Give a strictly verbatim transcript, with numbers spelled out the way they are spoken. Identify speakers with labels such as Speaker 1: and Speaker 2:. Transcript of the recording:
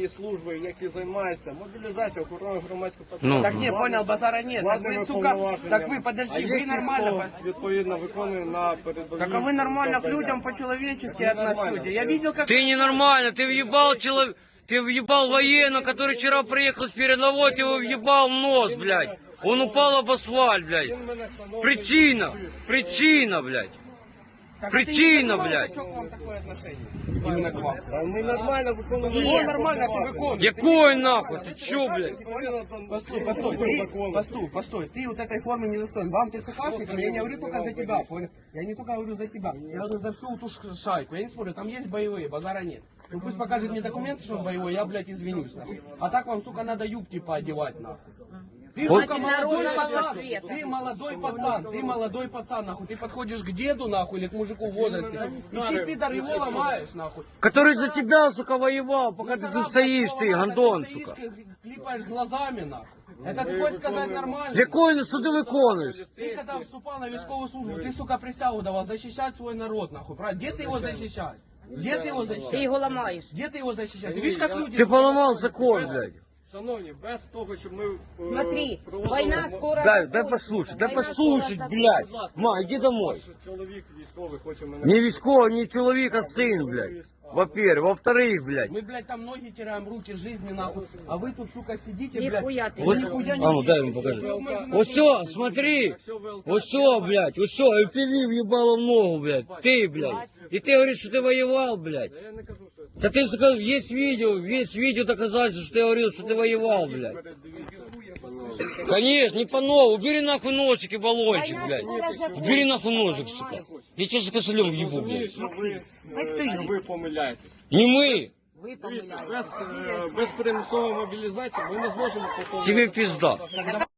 Speaker 1: є служби, які займаються мобілізацією, охороною громадського
Speaker 2: Ну.
Speaker 1: порядку.
Speaker 3: Так не, понял, базара нет. Так
Speaker 1: Владними
Speaker 3: вы, сука,
Speaker 1: повноваженнями.
Speaker 3: так вы,
Speaker 1: А
Speaker 3: подожди,
Speaker 1: є
Speaker 3: вы
Speaker 1: ті,
Speaker 3: нормально...
Speaker 1: хто відповідно виконує на передовій.
Speaker 3: Так а вы нормально к
Speaker 1: завдання.
Speaker 3: людям по-человечески
Speaker 1: Так вы нормально.
Speaker 3: относитесь. Я видел, как...
Speaker 2: Ты ненормально, ты въебал человека, ты въебал военного, который вчера приехал с передовой, ты его въебал в нос, блядь. Он упал об асфальт, блядь.
Speaker 1: Він мене шановний.
Speaker 2: Причина, причина, блядь.
Speaker 3: Так
Speaker 2: Причина,
Speaker 3: ты не понимаете,
Speaker 2: блядь.
Speaker 3: что к вам такое отношение? Именно к вам.
Speaker 1: А Ми нормально виконуємо.
Speaker 3: Его нормально ты выполнишь.
Speaker 2: Якой нахуй, ты чё, блядь?
Speaker 3: Постой, постой, ты, постой, постой, ты вот этой формы не достоин. Вам ты ЦКшником, я не говорю только за тебя, понял? Я не только говорю за тебя, я говорю за всю ту ш- шайку. Я не спорю, там есть боевые, базара нет. Ну пусть покажет мне документы, что он боевой, я, блядь, извинюсь, нахуй. А так вам, сука, надо юбки поодевать, нахуй. Ты,
Speaker 2: Вот.
Speaker 3: сука, молодой
Speaker 4: Народного
Speaker 3: пацан,
Speaker 4: света.
Speaker 3: ты молодой пацан, ты молодой пацан, нахуй. Ты подходишь к деду, нахуй, или к мужику в возрасте, и ты, пидор, его ломаешь, нахуй.
Speaker 2: Который за тебя, сука, воевал, пока ты тут стоишь, ты, гандон,
Speaker 3: Ты
Speaker 2: сука.
Speaker 3: стоишь, клипаешь глазами, нахуй. Это ты хочешь сказать нормально?
Speaker 2: Якой, що ти виконуєш?
Speaker 3: Ты когда вступал на військовую службу, ты, сука, присягу давал защищать свой народ, нахуй, правильно? Где ты его защищать? Где ты его
Speaker 4: Ты
Speaker 3: защищать?
Speaker 4: его ломаешь.
Speaker 3: Где ты его защищать? Ты видишь, как люди...
Speaker 2: Ти поламав закон, блядь.
Speaker 1: Шановні, без того, щоб ми... е,
Speaker 4: Смотри,
Speaker 1: проводили
Speaker 4: война
Speaker 1: мо-
Speaker 4: скоро
Speaker 2: Дай, дай
Speaker 4: закончится.
Speaker 2: послушать, дай
Speaker 4: Война
Speaker 2: послушать,
Speaker 4: скоро
Speaker 2: блядь.
Speaker 1: Будь ласка,
Speaker 2: Ма, иди домой.
Speaker 1: ваш чоловік військовий хоче мене...
Speaker 2: Не військовий, не чоловік, а син, блядь. Во-первых. Во-вторых, блядь.
Speaker 3: Мы, блядь, там ноги теряем, руки, жизни, нахуй. А вы тут, сука, сидите, блядь.
Speaker 4: Нихуя ты.
Speaker 2: Вот,
Speaker 4: не
Speaker 3: нихуя не
Speaker 2: а ну дай ему
Speaker 3: делаете.
Speaker 2: покажи.
Speaker 3: Мы же на
Speaker 2: Вот
Speaker 3: фронте
Speaker 2: все,
Speaker 3: не
Speaker 2: смотри.
Speaker 1: Якщо ВЛК...
Speaker 2: Вот все, блядь, вот все, и ты въебало в ногу, блядь. Ты, блядь. И ты говоришь, что ты воевал, блядь.
Speaker 1: Я не кажу, що я
Speaker 2: Да ты, сука, есть видео, есть видео доказательства, что ты говорил, что ты воевал, блядь.
Speaker 1: передивіться.
Speaker 2: Конечно, не по новому. Убери нахуй ножик и баллончик,
Speaker 4: Война
Speaker 2: блядь.
Speaker 4: скоро закончится,
Speaker 2: Убери нахуй ножик, сука.
Speaker 4: понимаешь?
Speaker 2: Я сейчас косолем въебу,
Speaker 1: Розумію,
Speaker 2: блядь.
Speaker 1: що ви,
Speaker 4: ми
Speaker 1: е,
Speaker 4: стоїмо.
Speaker 1: що ви помиляєтесь.
Speaker 2: Не мы.
Speaker 4: Вы
Speaker 1: Дивіться,
Speaker 4: помыляете.
Speaker 1: без, е, без примусової мобілізації ми не зможемо...
Speaker 2: Тебе пизда.